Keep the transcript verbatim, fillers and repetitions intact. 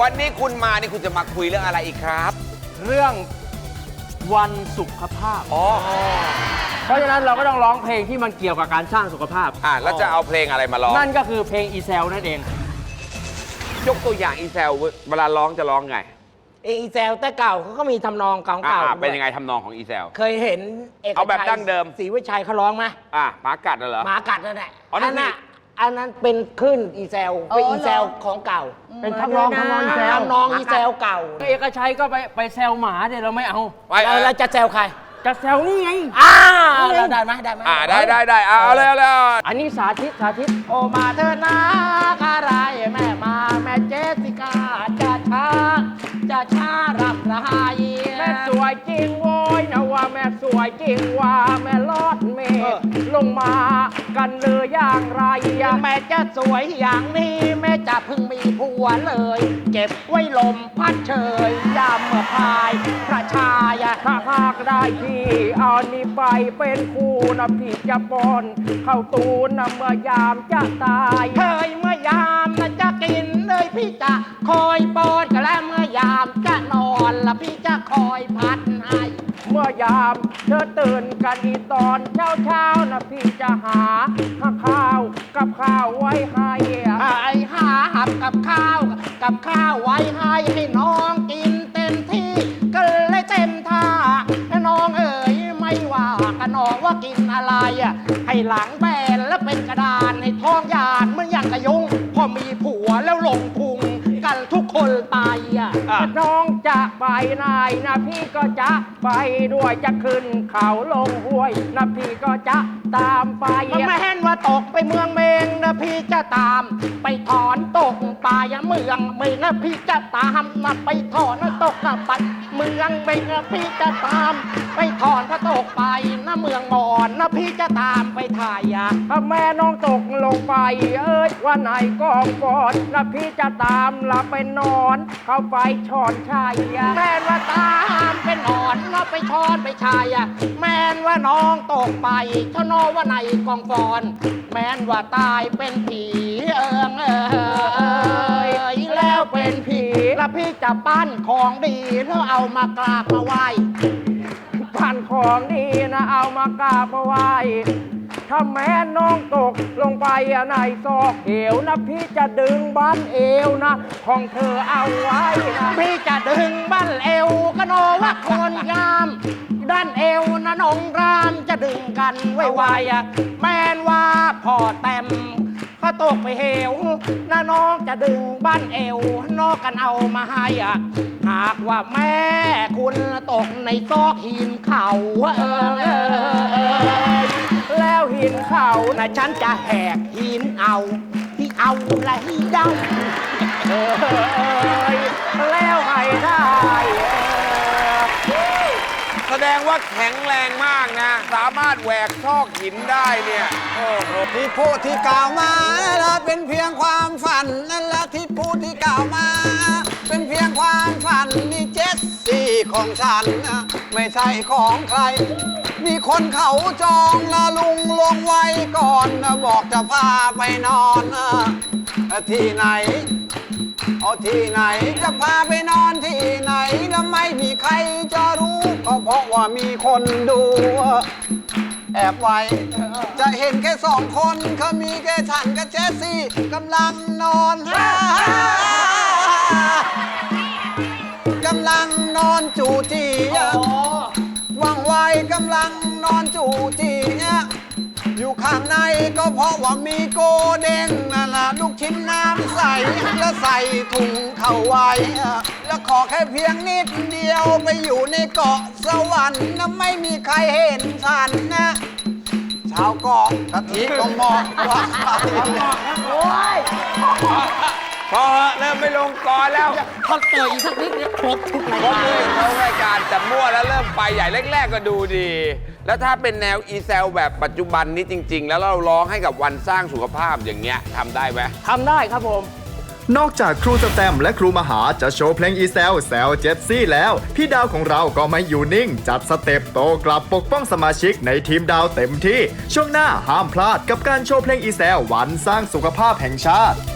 วันนี้คุณมานี่คุณจะมาคุยเรื่องอะไรอีกครับเรื่องวันสุขภาพอ๋อเพราะฉะนั้นเราก็ต้องร้องเพลงที่มันเกี่ยวกับการสร้างสุขภาพอ่าแล้วจะเอาเพลงอะไรมาร้องนั่นก็คือเพลงอีเซลนั่นเองยกตัวอย่างอีเซลเวลาร้องจะร้องไงอีเซลแต่เก่าเขาก็มีทำนองเก่าอ่าๆเป็นยังไงทำนองของอีเซลเคยเห็นเอกเอาแบบชัยดั้งเดิมศรีวิชัยเขาร้องไหมอ่ะหมากัดน่ะเหรอหมากัดนั่นแหละอ๋อนั่นน่ะสิอันนั้นเป็นคลื่นอีเซลเป็นอีเซลของเก่าเป็นทำนองทำนองอีเซลทำนองอีเซลเก่าเอกชัยก็ไปไปแซวหมาเนี่ยเราไม่เอาไปแล้วเราจะแซวใครจะแซวนี่ไงอ่าเราได้ไหมได้ไหมอ่าได้ได้ได้เอาเอาเลยเอาเลยเอาเลยอันนี้สาธิตสาธิตโอมาเธอนาคารายแม่มาแม่เจสสิกาจะช้าจะช้ารับรายแม่สวยจริงโว้ยนะว่าแม่สวยจริงว่าแม่ลอดเมฆลงมากันเลยอย่างไรอะแม่จะสวยอย่างนี้แม่จะเพิ่งมีผัวเลย เก็บไว้ลมพัดเชยยามเมื่อพายพระชายะถ้าหากได้พี่เอานี่ไปเป็นคู่นะพี่จะปอนเข้าตูนนะเมื่อยามจะตายเคยเมื่อยามนะจะกินเลยพี่จะคอยปอนกันแล้วเมื่อยามจะนอนละพี่จะคอยพัดให้เมื่อยามเธอตื่นกันอีตอนเช้าเช้าๆนะพี่จะหาข้าวกับข้าวไว้ให้อะไอ้หาหับกับข้าวกับข้าวไว้ให้ให้น้องกินเต็มที่ก็เลยเต็มท่าน้องเอ๋ยไม่ว่ากันน้องว่ากินอะไรอ่ะให้หลังแบนแล้วเป็นกระดานให้ท้องยานเหมือนอย่างกระยุงพอมีผัวแล้วลงพุงกันทุกคนไปอ่ะอ่ะน้องจะไปไหนนะพี่ก็จะไปด้วยจะขึ้นเขาลงห้วยนะพี่ก็จะตามไปมันไม่เห็นว่าตกไปเมืองเมงนะพี่จะตาม ไปถอนตกป่าอย่าเมืองเมงนะพี่จะตามนะไปถอนนะตกกับปัดเมืองเมงนะพี่จะตาม ไปถอนพระตกไปนะเมืองมอนนะพี่จะตามไปถ่ายอ่ะถ้าแม่น้องตกลงไปเอ้ยวันไหนกองกอดนะพี่จะตามละไปนอน เข้าไปช้อนชัยอะแม่นว่าตามเป็นอ่อนนะไปช้อนไปชายอ่ะแม่นว่าน้องตกไปชะนอว่าในกองฟอน แม่นว่าตายเป็นผีเอิงเอยแล้วเป็นผีแล้วพี่จะปั้นของดีแล้วเอามากราบมาไหว้ผ่านของดีนะเอามากราบมาไหว้ถ้าแม่น้องตกลงไปอะในซอกเหวนะพี่จะดึงบ้านเอวนะของเธอเอาไว้นะพี่จะดึงบ้านเอวก็โนว่าคนงาม ด้านเอวนะน้องรามจะดึงกันไวๆอ่ะแม่นว่าพ่อแต้มเขาตกไปเหวนะน้องจะดึงบ้านเอวนอกกันเอามาให้อ่ะหากว่าแม่คุณตกในซอกหินเขาเออเออเออแล้วหินเขานะฉันจะแหกหินเอาที่เอาละหินเดาเออเอยแล้วให้ได้เออแสดงว่าแข็งแรงมากนะ สามารถแหวกซอกหินได้เนี่ยโอ้โหที่พูดที่กล่าวมานั่นแหละเป็นเพียงความฝันนั่นแหละที่พูดที่กล่าวมา เป็นเพียงความฝันนี่เจ็ดสี่ของฉันนะไม่ใช่ของใคร มีคนเขาจองละลุงลงไว้ก่อนนะบอกจะพาไปนอนนะที่ไหนเอาที่ไหนจะพาไปนอนที่ไหนแล้วไม่มีใครจะรู้ก็เพราะว่ามีคนดู แอบไว้จะเห็นแค่สองคนเขามีแค่ฉันกับเจสซี่กำลังนอนกำลังนอนจูจีว่างไวกำลังนอนจูจีอยู่ข้างในก็เพราะว่ามีโกเด้งนั่นล่ะลูกชิ้นน้ำใสแล้วใส่ถุงเข้าไว้แล้วขอแค่เพียงนิดเดียวไปอยู่ในเกาะสวรรค์นะไม่มีใครเห็นฉันนะชาวเกาะกะทิก็มองว่าใครโอ้ยพอเริ่มไม่ลงกรแล้วพอเตยอีกสักนิดเนี่ยครบทุกรายก็การเลยเขารายการแต่มั่วแล้วเริ่มไปใหญ่แรกๆก็ดูดี แล้วถ้าเป็นแนวอีเซลแบบปัจจุบันนี้จริง ๆ แล้วเราร้องให้กับวันสร้างสุขภาพอย่างเงี้ยทำได้ไหมทำได้ครับผมนอกจากครูสแตมและครูมหาจะโชว์เพลงอีแซลแซลเจสซี่แล้ว พี่ดาวของเราก็ไม่อยู่นิ่ง จัดสเต็ปโตกลับปกป้องสมาชิกในทีมดาวเต็มที่ ช่วงหน้าห้ามพลาดกับการโชว์เพลงอีแซลวันสร้างสุขภาพแห่งชาติ